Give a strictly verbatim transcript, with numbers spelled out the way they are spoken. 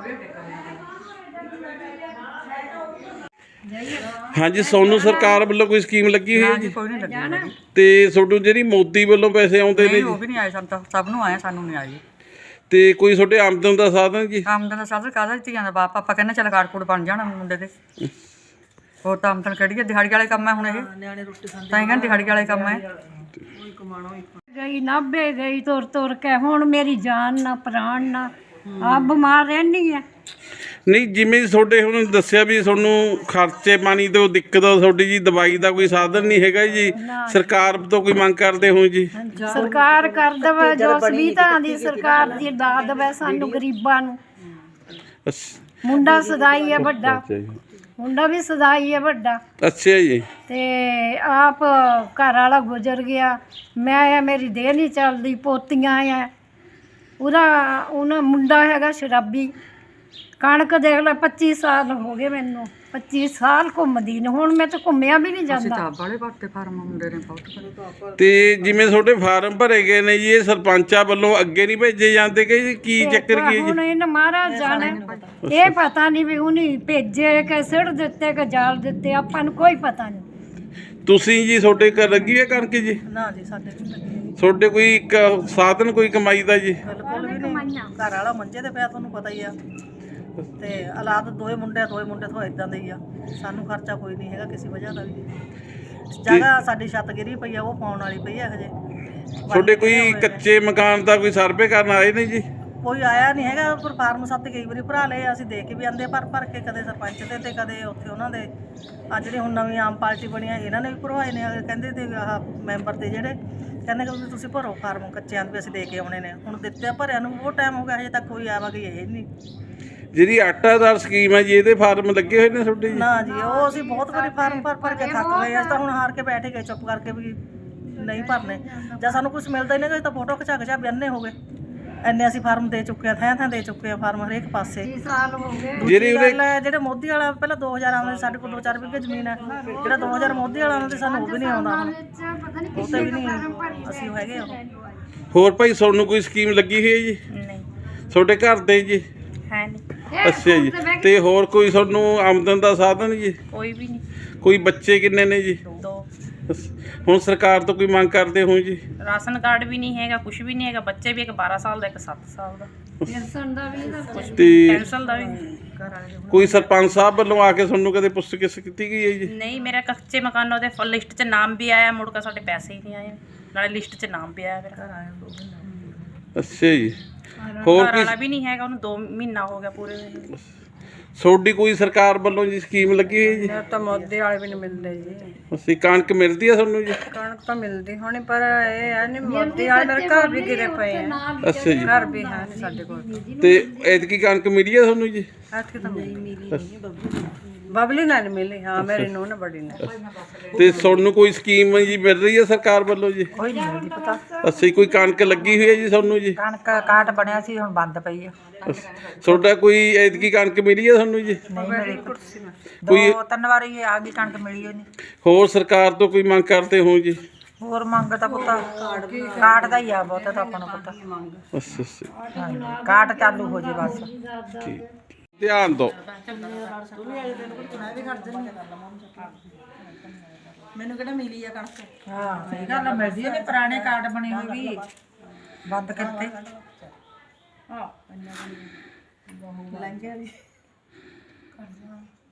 हाँ जी, सोनू सरकार वालों कोई स्कीम लगी हुई है जी? कोई नहीं लगी ते सोनू जी मोदी वालों पैसे आउंदे ने जी? वो भी नहीं आए सन तो सब ਨੂੰ ਆਏ ਸਾਨੂੰ ਨਹੀਂ ਆਏ। ਤੇ ਕੋਈ ਤੁਹਾਡੇ ਆਮਦਨ ਦਾ ਸਾਧਨ ਜੀ? ਆਮਦਨ ਦਾ ਸਾਧਨ ਕਾਹਦਾ ਧੀਆਂ ਦਾ ਬਾਪ ਆਪਾਂ ਕਹਿੰਦੇ ਚੱਲ ਕਾਰਡ ਕੂਡ ਬਣ ਜਾਣਾ ਮੁੰਡੇ ਦੇ। ਹੋਰ ਤਾਂ ਆਮਦਨ ਕਿਹੜੀ ਹੈ? ਦਿਹਾੜੀ ਵਾਲੇ ਕੰਮ ਹੈ ਹੁਣ ਇਹ, ਨਿਆਣੇ ਰੋਟੀ ਖਾਂਦੇ ਤਾਂ ਕਹਿੰਦੇ ਦਿਹਾੜੀ ਵਾਲੇ ਕੰਮ ਹੈ। ਗਈ ਨਾਭੇ ਗਈ ਤੁਰ ਤੁਰ ਕੇ, ਹੁਣ ਮੇਰੀ ਜਾਨ ਨਾ ਪ੍ਰਾਣ ਨਾ, ਆ ਬਿਮਾਰ ਰਹਿਣੀ ਹੈ। ਨਹੀਂ, ਜਿਵੇਂ ਤੁਹਾਡੇ ਹੁਣ ਦੱਸਿਆ ਵੀ ਤੁਹਾਨੂੰ ਖਰਚੇ ਪਾਣੀ ਤੋਂ ਦਿੱਕਤ ਆ ਤੁਹਾਡੀ ਜੀ, ਦਵਾਈ ਦਾ ਕੋਈ ਸਾਧਨ ਨਹੀਂ ਹੈਗਾ ਜੀ, ਸਰਕਾਰ ਤੋਂ ਕੋਈ ਮੰਗ ਕਰਦੇ ਹੋ ਜੀ? ਸਰਕਾਰ ਕਰ ਦੇਵੇ ਜੋ ਸੁਵਿਧਾ ਦੀ, ਸਰਕਾਰ ਦੀ ਦਾ ਦੇਵੇ ਸਾਨੂੰ ਗਰੀਬਾਂ ਨੂੰ। ਮੁੰਡਾ ਸਦਾਈ ਹੈ ਵੱਡਾ, ਮੁੰਡਾ ਵੀ ਸਦਾਈ ਹੈ ਵੱਡਾ। ਅੱਛਾ ਜੀ। ਤੇ ਆਪ ਘਰ ਵਾਲਾ ਗੁਜ਼ਰ ਗਿਆ, ਮੈਂ ਮੇਰੀ ਦੇਹ ਨਹੀਂ ਚੱਲਦੀ, ਪੋਤੀਆਂ ਆ ਉਹਦਾ, ਉਹਨਾਂ ਮੁੰਡਾ ਹੈਗਾ ਸ਼ਰਾਬੀ। ਕਣਕ ਦੇਖ ਲੈ ਪੱਚੀ ਸਾਲ ਹੋ ਗਏ ਮੈਨੂੰ, ਪੱਚੀ ਸਾਲ ਘੁੰਮਦੀ ਨੇ, ਹੁਣ ਮੈਂ ਤਾਂ ਘੁੰਮਿਆ ਵੀ ਨਹੀਂ ਜਾਂਦਾ। ਬਾਲੇ ਬਾਟੇ ਫਾਰਮ ਮੁੰਡੇ ਨੇ ਬਹੁਤ। ਤੇ ਜਿਵੇਂ ਤੁਹਾਡੇ ਫਾਰਮ ਭਰੇ ਗਏ ਨੇ ਜੀ, ਇਹ ਸਰਪੰਚਾਂ ਵੱਲੋਂ ਅੱਗੇ ਨਹੀਂ ਭੇਜੇ ਜਾਂਦੇ ਕਿ ਕੀ ਚੱਕਰ ਕੀ ਹੈ ਹੁਣ ਇਹਨਾਂ ਮਹਾਰਾਜ ਜਾਣੇ, ਇਹ ਪਤਾ ਨਹੀਂ ਵੀ ਉਹਨੇ ਭੇਜੇ ਕਿ ਸਿੱਟ ਦਿੱਤੇ ਕਿ ਜਾਲ ਦਿੱਤੇ, ਆਪਾਂ ਨੂੰ ਕੋਈ ਪਤਾ ਨਹੀਂ। ਤੁਸੀਂ ਜੀ ਤੁਹਾਡੇ ਘਰ ਲੱਗੀ ਹੈ ਕਣਕ ਜੀ? ਨਾ ਜੀ ਸਾਡੇ ਤੁਹਾਡੇ ਕੋਈ ਇੱਕ ਸਾਧਨ ਕੋਈ ਕਮਾਈ ਦਾ ਜੀ? ਬਿਲਕੁਲ ਵੀ ਨਹੀਂ। ਘਰ ਵਾਲਾ ਮੰਜੇ ਤੇ ਪਿਆ, ਤੁਹਾਨੂੰ ਪਤਾ ਹੀ ਆ, ਤੇ ਹਾਲਾਤ ਦੋਏ ਮੁੰਡੇ ਦੋਏ ਮੁੰਡੇ ਤੋਂ ਇਦਾਂ ਦੇ ਹੀ ਆ, ਸਾਨੂੰ ਖਰਚਾ ਕੋਈ ਨਹੀਂ ਹੈਗਾ ਕਿਸੇ ਵਜ੍ਹਾ ਦਾ ਵੀ। ਜਗ੍ਹਾ ਸਾਡੀ ਛੱਤ ਗਿਰੀ ਪਈ ਆ, ਉਹ ਪਾਉਣ ਵਾਲੀ ਪਈ ਆ ਹਜੇ। ਤੁਹਾਡੇ ਕੋਈ ਕੱਚੇ ਮਕਾਨ ਦਾ ਕੋਈ ਸਰਵੇ ਕਰਨ ਆਏ ਨੇ ਜੀ? ਕੋਈ ਆਇਆ ਨਹੀਂ ਹੈਗਾ, ਪਰ ਫਾਰਮ ਸੱਤ ਕਈ ਵਾਰੀ ਭਰਾ ਲਏ, ਅਸੀਂ ਦੇਖ ਕੇ ਵੀ ਆਂਦੇ ਭਰ ਭਰ ਕੇ, ਕਦੇ ਸਰਪੰਚ ਦੇ ਤੇ ਕਦੇ ਉੱਥੇ ਉਹਨਾਂ ਦੇ। ਅੱਜ ਜਿਹੜੀ ਹੁਣ ਨਵੀਂ ਆਮ ਪਾਰਟੀ ਬਣੀ ਆ, ਇਹਨਾਂ ਨੇ ਵੀ ਭਰਵਾਏ ਨੇ, ਕਹਿੰਦੇ ਤੇ ਆਹ ਮੈਂਬਰ ਤੇ ਜਿਹੜੇ ਕਹਿੰਦੇ ਕਿ ਤੁਸੀਂ ਭਰੋ ਫਾਰਮ ਕੱਚਿਆਂ ਦੇ ਵੀ ਅਸੀਂ ਦੇ ਕੇ ਆਉਣੇ ਨੇ। ਹੁਣ ਦਿੱਤੇ ਭਰਿਆ ਨੂੰ ਬਹੁਤ ਟਾਈਮ ਹੋ ਗਿਆ, ਹਜੇ ਤੱਕ ਕੋਈ ਆਵਾਗਈ ਇਹ ਨਹੀਂ। ਜਿਹੜੀ ਆਟਾਦਾਰ ਸਕੀਮ ਹੈ ਜੀ, ਇਹਦੇ ਫਾਰਮ ਲੱਗੇ ਹੋਏ ਨੇ ਤੁਹਾਡੇ ਜੀ? ਨਾ ਜੀ, ਉਹ ਅਸੀਂ ਬਹੁਤ ਵਾਰੀ ਫਾਰਮ ਭਰ ਭਰ ਕੇ ਥੱਕ ਗਏ, ਅਸੀਂ ਤਾਂ ਹੁਣ ਹਾਰ ਕੇ ਬੈਠ ਗਏ ਚੁੱਪ ਕਰਕੇ ਵੀ ਨਹੀਂ ਭਰਨੇ। ਜਾਂ ਸਾਨੂੰ ਕੁਝ ਮਿਲਦਾ ਹੀ ਨਹੀਂ, ਤਾਂ ਫੋਟੋ ਖਿਚਾ ਖਿਚਾ ਬਿਆਨੇ ਹੋ ਗਏ। ਇੰਨੇ ਅਸੀਂ ਫਾਰਮ ਦੇ ਚੁੱਕੇ ਆ, ਥਾਂ ਥਾਂ ਦੇ ਚੁੱਕੇ ਆ ਫਾਰਮ ਹਰੇਕ ਪਾਸੇ। ਜਿਹੜੀ ਜਿਹੜੇ ਮੋਦੀ ਵਾਲਾ ਪਹਿਲਾਂ ਦੋ ਹਜ਼ਾਰ ਆਉਂਦੇ, ਸਾਡੇ ਕੋਲ ਦੋ ਚਾਰ ਵਿਗੇ ਜ਼ਮੀਨ ਹੈ, ਜਿਹੜਾ ਦੋ ਹਜ਼ਾਰ ਮੋਦੀ ਵਾਲਾ ਆਉਂਦਾ ਸਾਨੂੰ ਉਹ ਵੀ ਨਹੀਂ ਆਉਂਦਾ, ਹੁਣ ਉਹ ਤੇ ਵੀ ਨਹੀਂ ਅਸੀਂ ਹੈਗੇ। ਉਹ ਹੋਰ ਭਾਈ ਤੁਹਾਨੂੰ ਕੋਈ ਸਕੀਮ ਲੱਗੀ ਹੋਈ ਹੈ ਜੀ? ਨਹੀਂ। ਤੁਹਾਡੇ ਘਰ ਦੇ ਜੀ? ਹੈ ਨਹੀਂ। ਅੱਛਾ ਜੀ। ਤੇ ਹੋਰ ਕੋਈ ਤੁਹਾਨੂੰ ਆਮਦਨ ਦਾ ਸਾਧਨ ਜੀ? ਕੋਈ ਵੀ ਨਹੀਂ। ਕੋਈ ਬੱਚੇ ਕਿੰਨੇ ਨੇ ਜੀ? ਦੋ। ਹੁਣ ਸਰਕਾਰ ਤੋਂ ਕੋਈ ਮੰਗ ਕਰਦੇ ਹੋ ਜੀ? ਰਾਸ਼ਨ ਕਾਰਡ ਵੀ ਨਹੀਂ ਹੈਗਾ, ਕੁਝ ਵੀ ਨਹੀਂ ਹੈਗਾ। ਬੱਚੇ ਵੀ ਇੱਕ ਬਾਰਾਂ ਸਾਲ ਦਾ, ਇੱਕ ਸੱਤ ਸਾਲ ਦਾ। ਪੈਨਸ਼ਨ ਦਾ ਵੀ ਤੇ ਪੈਨਸ਼ਨ ਦਾ ਵੀ ਕੋਈ ਸਰਪੰਚ ਸਾਹਿਬ ਵੱਲੋਂ ਆ ਕੇ ਤੁਹਾਨੂੰ ਕਦੇ ਪੁੱਛ ਗਿੱਛ ਕੀਤੀ ਗਈ ਹੈ ਜੀ? ਨਹੀਂ, ਮੇਰਾ ਕੱਚੇ ਮਕਾਨੋਂ ਦੇ ਲਿਸਟ 'ਚ ਨਾਮ ਵੀ ਆਇਆ, ਮੁੜ ਕੇ ਸਾਡੇ ਪੈਸੇ ਹੀ ਨਹੀਂ ਆਏ, ਨਾਲੇ ਲਿਸਟ 'ਚ ਨਾਮ ਵੀ ਆਇਆ ਮੇਰਾ। ਅੱਛਾ ਜੀ। ਹੋਰ ਘਰ ਵਾਲਾ ਵੀ ਨਹੀਂ ਹੈਗਾ, ਉਹਨੂੰ ਦੋ ਮਹੀਨਾ ਹੋ ਗਿਆ ਪੂਰੇ। ਤੁਹਾਡੀ ਕੋਈ ਸਰਕਾਰ ਵੱਲੋਂ ਜੀ ਸਕੀਮ ਲੱਗੀ ਹੋਈ ਜੀ? ਤਾਂ ਮੋਦੀ ਵਾਲੇ ਵੀ ਨਹੀਂ ਮਿਲਦੇ ਜੀ। ਅਸੀਂ ਕਣਕ ਮਿਲਦੀ ਆ ਤੁਹਾਨੂੰ ਜੀ? ਕਣਕ ਤਾਂ ਮਿਲਦੀ ਹੋਣੀ, ਪਰ ਇਹ ਹੈ ਨਹੀਂ ਮੋਦੀ ਵਾਲੇ ਮੇਰੇ ਘਰ ਵੀ ਗਿਰੇ ਪਏ ਆ। ਅੱਛਾ ਜੀ। ਘਰ ਵੀ ਹੈ ਨਹੀਂ ਸਾਡੇ ਕੋਲ। ਤੇ ਐਤਕੀ ਕਣਕ ਮਿਲੀ ਆ ਤੁਹਾਨੂੰ ਜੀ? ਐਤਕੀ ਤਾਂ ਨਹੀਂ ਮਿਲੀ, ਬਬਲੀ ਨਾਲ ਮਿਲੀ। ਹਾਂ, ਮੇਰੀ ਨੂੰਹ ਨੇ ਬੜੀ ਨੇ। ਤੇ ਤੁਹਾਨੂੰ ਕੋਈ ਸਕੀਮ ਜੀ ਮਿਲ ਰਹੀ ਹੈ ਸਰਕਾਰ ਵੱਲੋਂ ਜੀ? ਕੋਈ ਨਹੀਂ ਮਿਲਦੀ ਪਤਾ। ਅੱਛਾ, ਕੋਈ ਕਣਕ ਲੱਗੀ ਹੋਈ ਹੈ ਜੀ ਤੁਹਾਨੂੰ ਜੀ? ਕਣਕ ਕਾਟ ਬਣਿਆ ਸੀ, ਹੁਣ ਬੰਦ ਪਈ ਆ। ਤੁਹਾਡਾ ਕੋਈ ਐਤਕੀ ਕਣਕ ਮਿਲੀ ਹੈ ਤੁਹਾਨੂੰ ਜੀ? ਨਹੀਂ ਮਿਲੀ, ਦੋ ਤਿੰਨ ਵਾਰੀ ਆ ਗਈ ਕਣਕ, ਮਿਲੀ ਨਹੀਂ। ਹੋਰ ਸਰਕਾਰ ਤੋਂ ਕੋਈ ਮੰਗ ਕਰਦੇ ਹੋ ਜੀ? ਹੋਰ ਮੰਗ ਤਾਂ ਪੁੱਤਾ ਕਾਟ ਦਾ ਹੀ ਆ, ਬਹੁਤਾ ਤਾਂ ਆਪਾਂ ਨੂੰ ਪਤਾ। ਅੱਛਾ ਅੱਛਾ, ਕਾਟ ਚਾਲੂ ਹੋ ਜੇ ਬਸ। ਠੀਕ, ਧਿਆਨ ਦਿਓ। ਮੈਨੂੰ ਕਿਹੜਾ ਮਿਲੀ ਆ ਕਣਕ? ਹਾਂ ਸਹੀ ਗੱਲ ਆ, ਮਿਲਦੀ ਆ। ਪੁਰਾਣੇ ਕਾਰਡ ਬਣੇ ਹੋਏ ਵੀ ਬੰਦ ਕਰਤੇ। ਹਾਂ ਲੰਘਿਆ ਜੀ।